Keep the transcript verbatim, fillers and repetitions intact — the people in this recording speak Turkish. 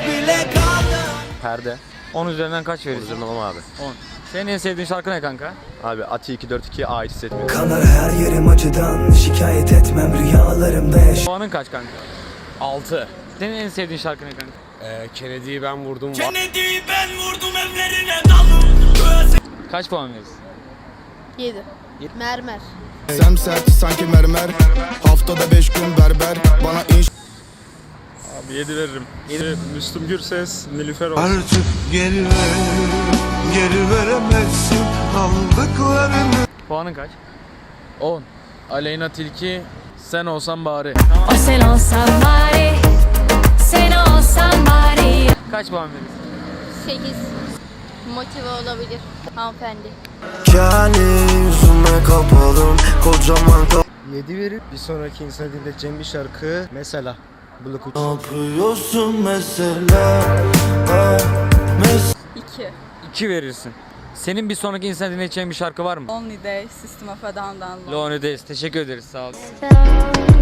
bile kaldım. Perde. on üzerinden kaç verirsin? Tamam abi. on. Senin en sevdiğin şarkı ne kanka? Abi Ati iki dört iki'ye ait hissetmiyorum. Kanar her yerim acıdan, şikayet etmem rüyalarımda yaş. Puanın kaç kanka? altı. Senin en sevdiğin şarkı ne kanka? Ee, Kennedy'yi ben vurdum. Kennedy'yi ben vurdum evlerine dalım. Kaç puan verirsin? yedi. Mermer. Semsert sanki mermer. Haftada beş gün berber. Bana iş. Abi yedi veririm. yedi. Müslüm Gürses, Nilüfer olsun. Artık geri ver, geri veremezsin aldıklarını. Puanın kaç? on. Aleyna Tilki, sen olsan bari. O sen olsan bari, sen olsan bari. Kaç puan verirsin? sekiz. Motive olabilir hanımefendi. Kendi yüzüme kapalım kocaman kap. yedi verir. Bir sonraki insana dinleteceğim bir şarkı mesela Blok üç. Ne yapıyorsun mesela? Ha, mes- iki. iki verirsin. Senin bir sonraki insan dinleyeceğin bir şarkı var mı? Only Day, System of a Down'dan. Lonely Days. Teşekkür ederiz. Sağ ol. Sen